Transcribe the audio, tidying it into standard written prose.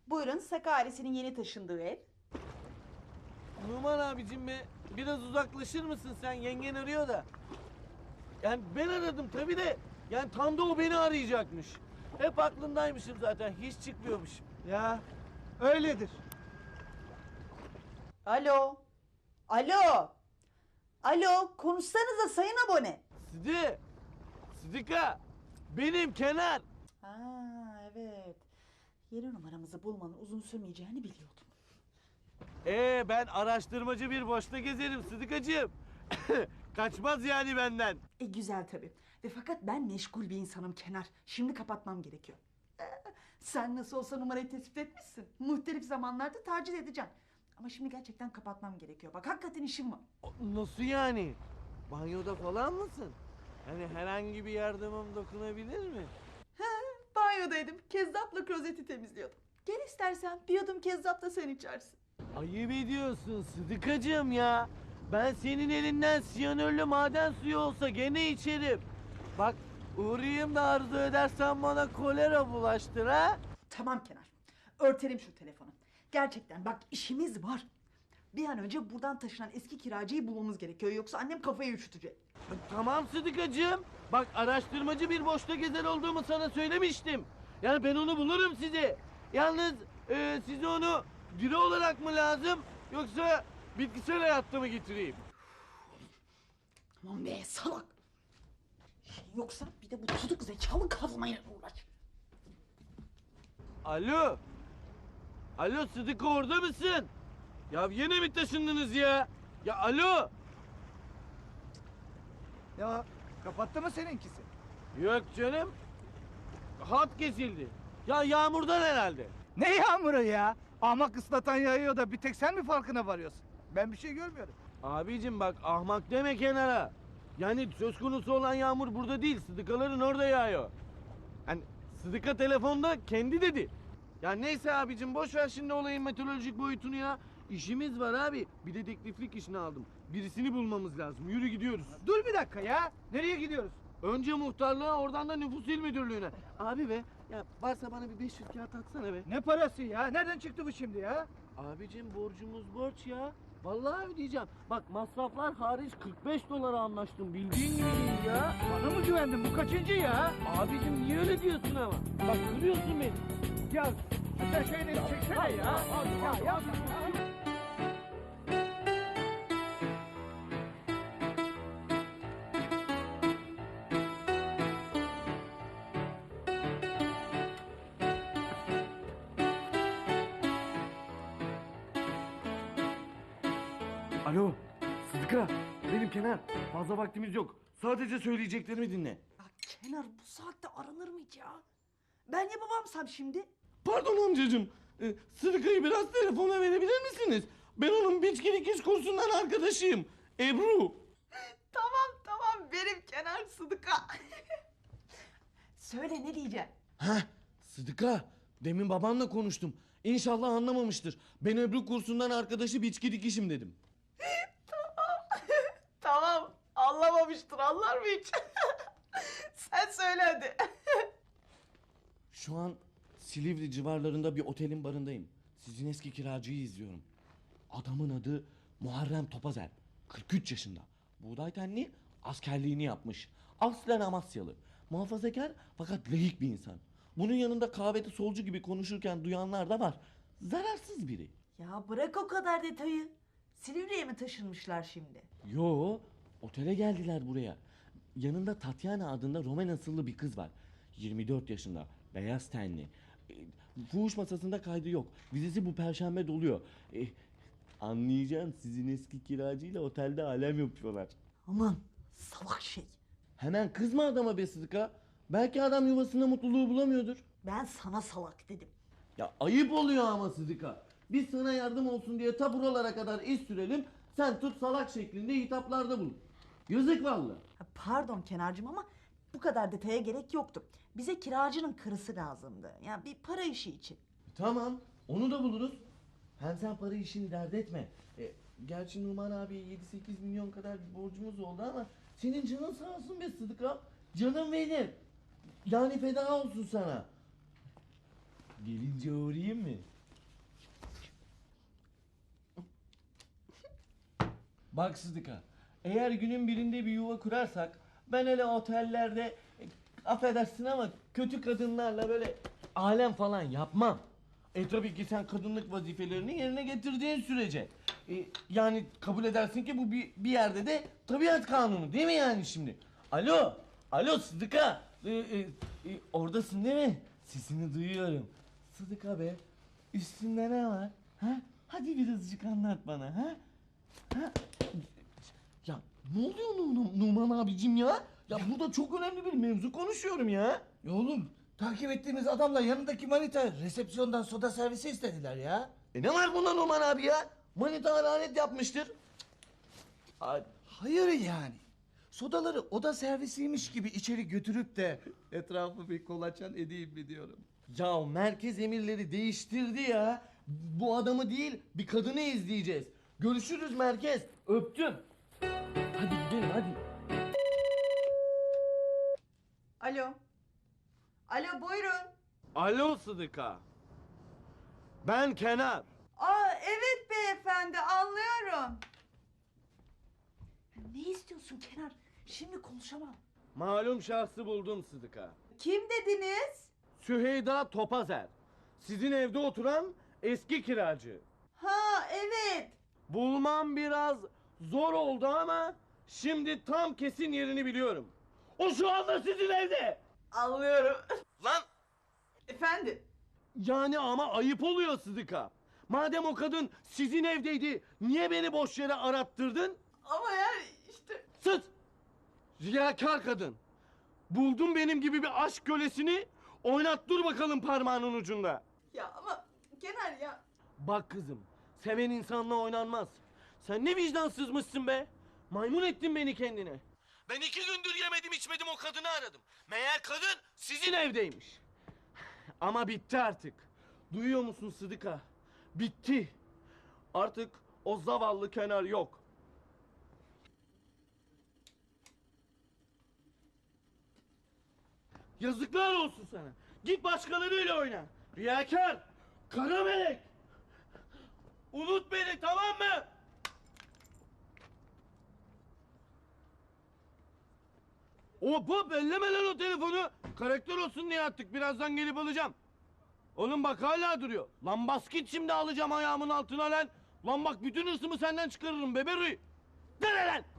Buyurun, Saka ailesinin yeni taşındığı ev. Numan abicim be, biraz uzaklaşır mısın sen? Yengen arıyor da. Yani ben aradım tabii de. Yani tam da o beni arayacakmış. Hep aklındaymışım zaten. Hiç çıkmıyormuşum. Ya öyledir. Alo. Alo. Alo, konuşsanıza sayın abone. Sıdıka. Benim Kenar. Ha evet. Yeni numaramızı bulmanın uzun sürmeyeceğini biliyordum. Ben araştırmacı bir boşta gezerim Sıdıkacığım. Kaçmaz yani benden. Güzel tabii. Fakat ben meşgul bir insanım Kenar. Şimdi kapatmam gerekiyor. Sen nasıl olsa numarayı tespit etmişsin. Muhtelif zamanlarda taciz edeceğim. Ama şimdi gerçekten kapatmam gerekiyor. Bak hakikaten işim var. Nasıl yani? Banyoda falan mısın? Hani herhangi bir yardımım dokunabilir mi? Banyodaydım. Kezzapla klozeti temizliyordum. Gel istersen bir yudum kezzap da sen içersin. Ayıp ediyorsun Sıdıkacığım ya. Ben senin elinden siyanürlü maden suyu olsa gene içerim. Bak uğrayayım da arzu edersen bana kolera bulaştır ha. Tamam Kenar. Örtelim şu telefonu. Gerçekten bak işimiz var. Bir an önce buradan taşınan eski kiracıyı bulmamız gerekiyor. Yoksa annem kafayı üşütecek. Tamam Sıdıkacığım. Bak araştırmacı bir boşta gezer olduğumu sana söylemiştim. Yani ben onu bulurum size. Yalnız size onu diri olarak mı lazım yoksa bitkisel hayatta mı getireyim? Aman be salak. Yoksa bir de bu tutuk zekalı kazmayla uğraş. Alo. Alo Sıdıka orada mısın? Ya yine mi taşındınız ya? Ya alo. Ya kapattı mı seninkisi? Yok canım. Hat kesildi. Ya yağmurdan herhalde. Ne yağmuru ya? Ahmak ıslatan yağıyor da bir tek sen mi farkına varıyorsun? Ben bir şey görmüyorum. Abicim bak ahmak deme kenara. Yani söz konusu olan yağmur burada değil. Sıdıkaların orada yağıyor. Hani Sıdıka telefonda kendi dedi. Ya neyse abicim boş ver şimdi olayın meteorolojik boyutunu ya. İşimiz var abi. Bir dedektiflik işini aldım. Birisini bulmamız lazım. Yürü gidiyoruz. Dur bir dakika ya. Nereye gidiyoruz? Önce muhtarlığa oradan da nüfus il müdürlüğüne. Abi be ya varsa bana bir 500 kağıt atsana be. Ne parası ya? Nereden çıktı bu şimdi ya? Abicim borcumuz borç ya. Vallahi ödeyeceğim. Bak masraflar hariç 45 dolara anlaştım. Bildiğin gibi değil ya. Bana mı güvendin? Bu kaçıncı ya? Abicim niye öyle diyorsun ama? Bak kırıyorsun beni. Ya sen şeyleri çeksene ya. Ya yapma ya. Alo Sıdıka benim Kenar. Fazla vaktimiz yok. Sadece söyleyeceklerimi dinle. Ya Kenar bu saatte aranır mı hiç ya? Ben yapamamsam şimdi. Pardon amcacığım. Sıdıka'yı biraz telefona verebilir misiniz? Ben onun biçki dikiş kursundan arkadaşıyım. Ebru. Tamam benim Kenar Sıdıka. Söyle ne diyeceksin? Heh, Sıdıka. Demin babanla konuştum. İnşallah anlamamıştır. Ben Ebru kursundan arkadaşı biçki dikişim dedim. Tamam anlamamıştır anlar mı hiç? Sen söyle hadi. Şu an Silivri civarlarında bir otelin barındayım. Sizin eski kiracıyı izliyorum. Adamın adı Muharrem Topazer. 43 yaşında. Buğday tenli, askerliğini yapmış. Aslen Amasyalı. Muhafazakar fakat layık bir insan. Bunun yanında kahvede solcu gibi konuşurken duyanlar da var. Zararsız biri. Ya bırak o kadar detayı. Silivri'ye mi taşınmışlar şimdi? Yo, otele geldiler buraya. Yanında Tatyana adında Roman asıllı bir kız var. 24 yaşında, beyaz tenli. Fuhuş masasında kaydı yok. Vizesi bu perşembe doluyor. Anlayacaksın sizin eski kiracıyla otelde alem yapıyorlar. Aman salak şey. Hemen kızma adama be Sıdıka. Belki adam yuvasında mutluluğu bulamıyordur. Ben sana salak dedim. Ya ayıp oluyor ama Sıdıka. Biz sana yardım olsun diye ta buralara kadar iş sürelim. Sen tut salak şeklinde hitaplarda bulun. Yazık vallahi. Pardon Kenarcığım ama bu kadar detaya gerek yoktu. Bize kiracının karısı lazımdı. Yani bir para işi için. Tamam, onu da buluruz. Hem sen para işini dert etme. Gerçi Numan abiye 7-8 milyon kadar bir borcumuz oldu ama senin canın sağ olsun be Sıdıka. Canım benim. Yani feda olsun sana. Gelince uğrayayım mı? Bak Sıdıka, eğer günün birinde bir yuva kurarsak ben hele otellerde affedersin ama kötü kadınlarla böyle alem falan yapmam. Tabii ki sen kadınlık vazifelerini yerine getirdiğin sürece. Yani kabul edersin ki bu bir yerde de tabiat kanunu değil mi yani şimdi? Alo, alo Sıdıka. Oradasın değil mi? Sesini duyuyorum. Sıdıka be, üstünde ne var? Ha? Hadi birazcık anlat bana ha? Ha? Ya ne oluyor Numan abicim ya? Ya burada çok önemli bir mevzu konuşuyorum ya. Ya oğlum takip ettiğimiz adamla yanındaki manita resepsiyondan soda servisi istediler ya. Ne var bunda Numan abi ya? Manita lanet yapmıştır. Hayır yani. Sodaları oda servisiymiş gibi içeri götürüp de etrafı bir kolaçan edeyim mi diyorum. Ya merkez emirleri değiştirdi ya. Bu adamı değil bir kadını izleyeceğiz. Görüşürüz merkez. Öptüm. Hadi gidelim hadi. Alo. Alo buyurun. Alo Sıdıka. Ben Kenar. Aa evet beyefendi anlıyorum. Ne istiyorsun Kenar? Şimdi konuşamam. Malum şahsı buldum Sıdıka. Kim dediniz? Süheyda Topazer. Sizin evde oturan eski kiracı. Ha evet. Bulmam biraz zor oldu ama şimdi tam kesin yerini biliyorum. O şu anda sizin evde. Anlıyorum. Lan Efendim? yani ama ayıp oluyor Sıdıka. Madem o kadın sizin evdeydi niye beni boş yere arattırdın? Ama yani işte... Sus! Riyakar kadın. Buldum benim gibi bir aşk kölesini, oynat dur bakalım parmağının ucunda. Ya ama Kenar ya... Bak kızım, seven insanla oynanmaz. Sen ne vicdansızmışsın be. Maymun ettin beni kendine. Ben 2 gündür yemedim içmedim o kadını aradım. Meğer kadın sizin evdeymiş. Ama bitti artık. Duyuyor musun Sıdıka? Bitti. Artık o zavallı Kenar yok. Yazıklar olsun sana. Git başkalarıyla oyna. Riyakar, kara melek. Unut beni tamam mı? Hop elleme lan o telefonu. Karakter olsun diye attık. Birazdan gelip alacağım. Oğlum bak hala duruyor. Lan bas git şimdi alacağım ayağımın altına lan. Lan bak bütün hırsımı senden çıkarırım beberuy. Dene lan.